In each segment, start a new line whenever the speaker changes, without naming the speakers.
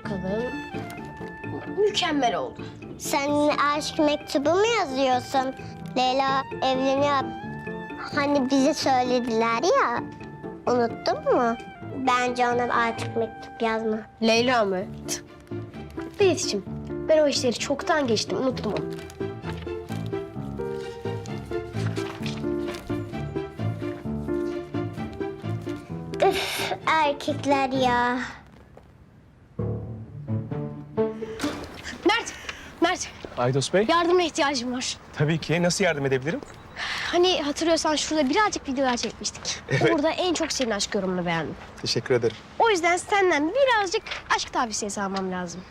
bakalım. Mükemmel oldu.
Sen aşk mektubu mu yazıyorsun? Leyla evleniyor. Hani bize söylediler ya. Unuttun mu? Bence ona artık mektup yazma.
Leyla mı? Beyit'ciğim, ben o işleri çoktan geçtim, unuttum onu.
Üf, erkekler ya.
Mert,
Aydos Bey,
yardımına ihtiyacım var.
tabii ki. Nasıl yardım edebilirim?
Hani hatırlıyorsan şurada birazcık videolar çekmiştik.
Evet.
Burada en çok senin aşk yorumunu beğendim.
Teşekkür ederim.
O yüzden senden birazcık aşk tavsiyesi almam lazım.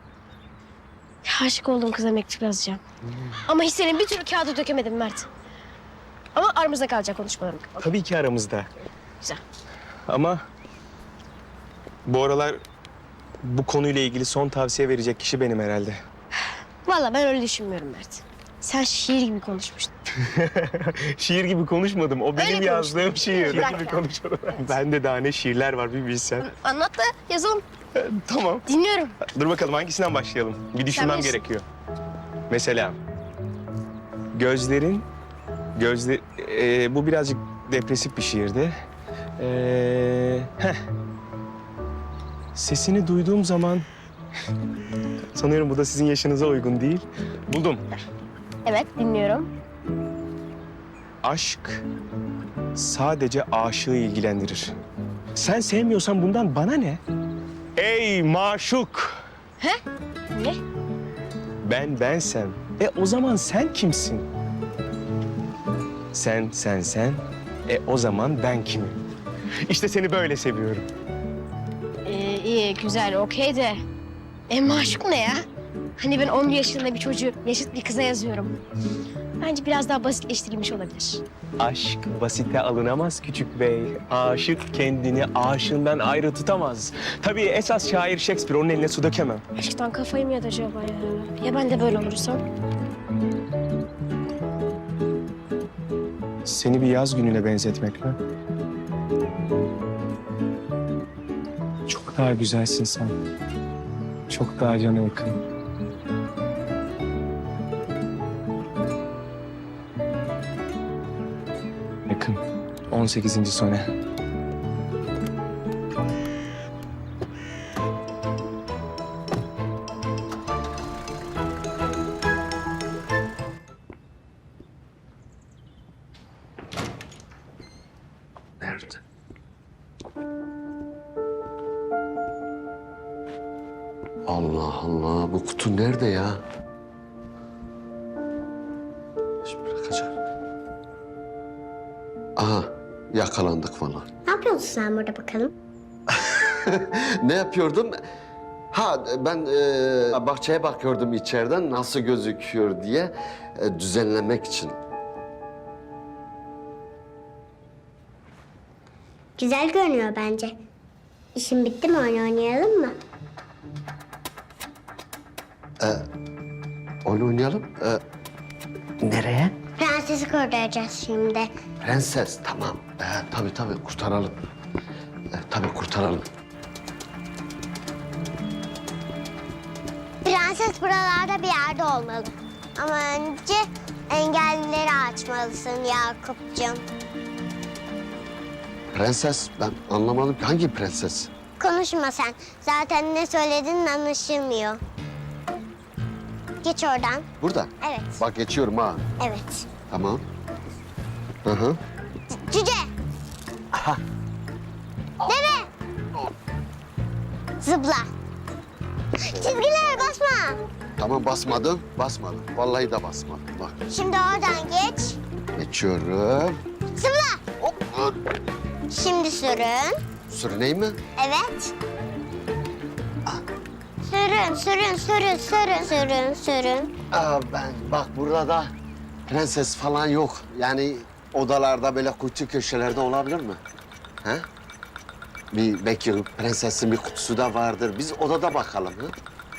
Aşık olduğum kıza mektup yazacağım. Ama hislerini bir türlü kağıda dökemedim Mert. Ama aramızda kalacak konuşmalarım.
Tabii ki aramızda.
Güzel.
Ama bu aralar bu konuyla ilgili son tavsiye verecek kişi benim herhalde.
Vallahi ben öyle düşünmüyorum Mert. Sen şiir gibi konuşmuştun.
Şiir gibi konuşmadım. O benim
Öyle
yazdığım
konuştun.
şiir.
Bırak
Gibi
ya.
konuşmadım. Bende daha ne şiirler var bir bilsen.
Anlat da yazalım.
Tamam.
Dinliyorum.
Dur bakalım hangisinden başlayalım? Bir düşünmem
bilirsin.
gerekiyor. Mesela bu birazcık depresif bir şiirdi. Sesini duyduğum zaman sanıyorum bu da sizin yaşınıza uygun değil. Buldum.
Evet, dinliyorum.
Aşk sadece aşığı ilgilendirir. Sen sevmiyorsan bundan bana ne? Ey maşuk!
Ne?
Ben bensem. O zaman sen kimsin? Sen. O zaman ben kimim? İşte seni böyle seviyorum.
İyi, güzel, okey de... maşuk ne ya? Hani ben 10 yaşında bir çocuğu yaşıt bir kıza yazıyorum. Bence biraz daha basitleştirilmiş olabilir.
Aşk basite alınamaz küçük bey. Aşık kendini aşığından ayrı tutamaz. Tabii esas şair Shakespeare, onun eline su dökemem.
Aşktan kafayı mı yedi acaba ya? Ya ben de böyle olursam?
Seni bir yaz gününe benzetmek mi? Çok daha güzelsin sen. Çok daha cana yakın. Yakın. 18. sone.
Nerede? Allah Allah, bu kutu nerede ya? Şimdi bırakacağım. Aha, yakalandık falan.
Ne yapıyorsun sen burada bakalım?
Ne yapıyordum? Ha, ben bahçeye bakıyordum içeriden nasıl gözüküyor diye düzenlemek için.
Güzel görünüyor bence. İşin bitti mi, oyun oynayalım mı?
Oyun oynayalım. Nereye?
Prensesi kurtaracağız şimdi.
Prenses, tamam. Tabii kurtaralım. Tabii kurtaralım.
Prenses buralarda bir yerde olmalı. Ama önce engellileri açmalısın Yakup'cığım.
Prenses, ben anlamadım ki hangi prenses?
Konuşma sen. Zaten ne söylediğin anlaşılmıyor. Geç oradan.
Burada.
Evet.
Bak geçiyorum ha.
Evet.
Tamam. Hı hı.
Cüce. Deve. Zıpla. Çizgilere basma.
Tamam basmadım. Vallahi de basmadım. Bak
Şimdi oradan geç.
geçiyorum.
Zıpla.
Hop. Dur.
Şimdi sürün.
Sürüneyim mi?
Evet. Sürün.
Ben bak burada da prenses falan yok. Yani odalarda böyle kuytu köşelerde olabilir mi? He? Belki prensesin bir kutusu da vardır. Biz odada bakalım. Hı?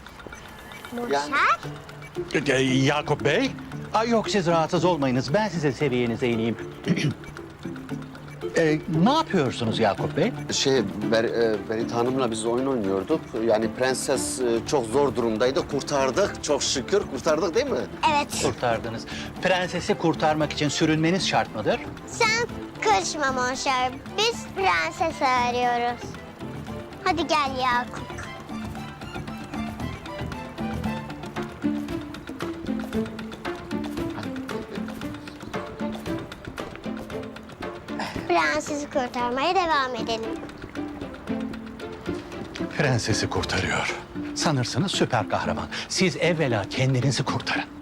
Muşer.
Yakup Bey? Yok siz rahatsız olmayınız. Ben size seviyenize ineyim. Ne yapıyorsunuz Yakup Bey?
Berit Hanım'la biz oyun oynuyorduk. Yani prenses çok zor durumdaydı. Kurtardık. Çok şükür kurtardık değil mi?
Evet.
Kurtardınız. Prensesi kurtarmak için sürünmeniz şart mıdır?
Sen karışma Monşer. Biz prenses arıyoruz. Hadi gel Yakup. Prensesi kurtarmaya devam edelim.
Prensesi kurtarıyor. Sanırsınız süper kahraman. Siz evvela kendinizi kurtarın.